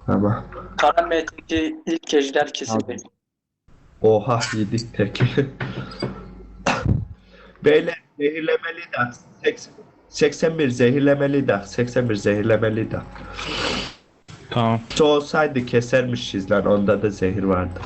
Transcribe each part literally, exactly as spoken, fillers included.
Tamam. Kara M'deki ilk ejder kesildi. Oha yedik tek. Beyler zehirlemeli dak. seksen, seksen bir zehirlemeli dak. seksen bir zehirlemeli dak. Tamam. Şu olsaydı kesermişiz lan. Onda da zehir vardı.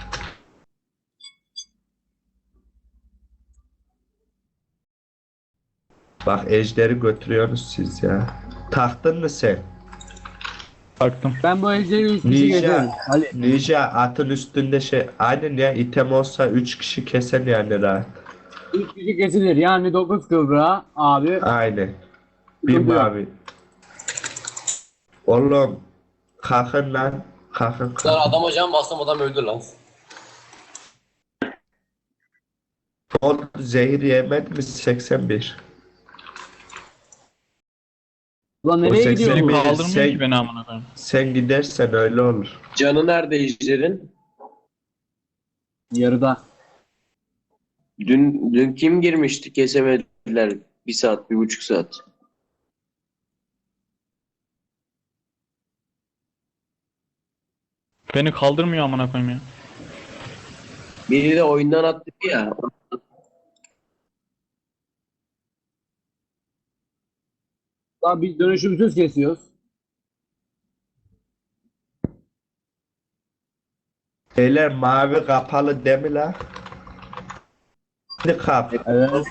Bak ejderi götürüyorsunuz siz ya. Taktın mı sen? Baktım. Ben bu ejderi üç kişi gezerim. Ninja, Ali. Ninja atın üstünde şey. Aynen ya item olsa üç kişi keser yani rahat. üç kişi kesilir. Yani dokuz kıvra abi. Aynen. Bir Sıkıntı yok. mavi. Oğlum kalkın lan. Kalkın Lan kalkın. adam hocam bastım adam öldü lan. O zehir yemedi mi seksen bir? Ulan O nereye seksen gidiyor Beni bu? bir. kaldırmıyor sen- ki beni amına koyayım. Sen gidersen öyle olur. Canı nerede ejderin? Yarıda. Dün dün kim girmişti kesemediler bir saat bir buçuk saat. Beni kaldırmıyor amına koyayım ya. Biri de oyundan attı ya. Lan biz dönüşümsüz kesiyoruz. Beyler mavi kapalı değil mi lan? Hadi kap. Evet.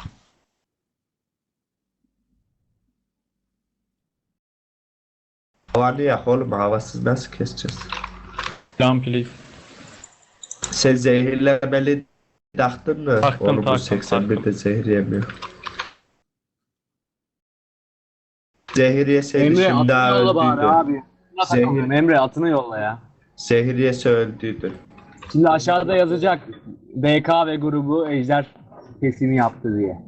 Havanı yak oğlum havasız nasıl keseceğiz? Down please. Sen zehirlemeli taktın mı? Taktım, Oğlum bu taktım, seksen birde taktım. zehir yemiyor. Zehir yeseydi Emre şimdi atını daha yolla bari öldüydü. abi. Zehir- Takılıyorum. Emre atını yolla ya. Zehir yese öldüydü. Şimdi aşağıda yazacak B K ve grubu ejder kesimi yaptı diye.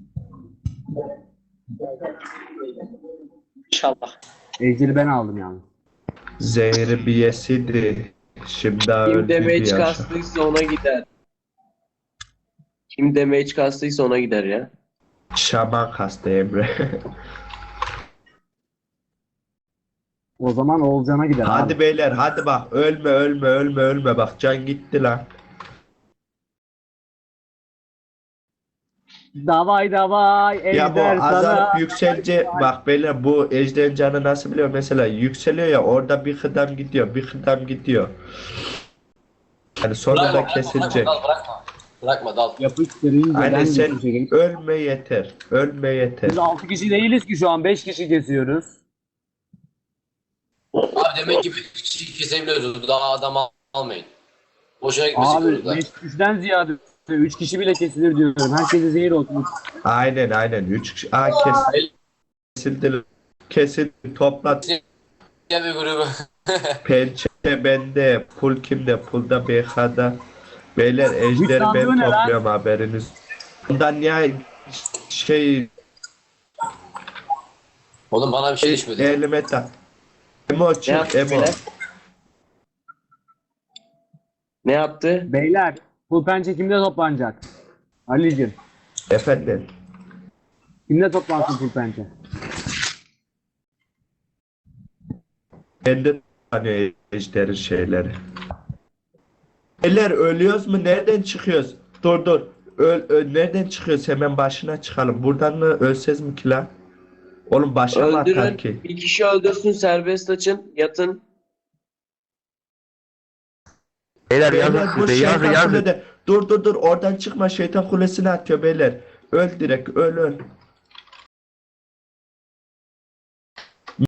İnşallah. Ejderi ben aldım yani. Zehri bir yeseydi şimdi daha Kim öldüydü damage ya. kastıysa ona gider. Kim damage kastıysa ona gider ya. Şaman kastı Emre. O zaman Oğulcan'a gider Hadi abi. beyler hadi bak ölme ölme ölme ölme bak can gitti lan. Davay davay Ya bu ejder sana. azalıp yükselce bak beyler bu ejderin canı nasıl biliyor mesela yükseliyor ya orada bir kıdam gidiyor bir kıdam gidiyor. Yani sonunda kesilecek. Bırakma, dal, bırakma. Bırakma dal. Yapıştırınca Aynen ben sen bir şey. ölme yeter. Ölme yeter. Biz altı kişi değiliz ki şu an beş kişi kesiyoruz. Abi demek ki bir kişi kesebiliyoruz. Daha adam al- almayın. Boşuna gitmesin Abi burada. beş kişiden ziyade üç kişi bile kesilir diyorum. Herkese zehir olsun. Aynen aynen. Üç kişi. Aa kes, kesildi. Kesildi. Topla. Gel bir grubu. Pençe bende. Pul kimde? Pulda B K'da. Beyler ejderi sandığı ben ne lan? topluyorum haberiniz. Bundan ya şey Oğlum bana bir şey düşmedi. elime tak. Emo Ne çık yaptı Emo. beyler? Ne yaptı? Beyler bu pençe kimde toplanacak? Ali'cim Efendim. kimde toplansın full pençe? Bende hani ejderin şeyleri. Beyler ölüyoruz mu? Nereden çıkıyoruz? Dur dur. Öl, öl nereden çıkıyoruz? Hemen başına çıkalım. Buradan mı ölsez mi ki lan? Oğlum başa mı atar Öldürün. ki? Bir kişi öldürsün serbest açın. Yatın. Beyler Beyler yazın bu size yazın şeytan yazın. kulede. Dur dur dur oradan çıkma şeytan kulesine atıyor beyler. Öl direkt öl öl.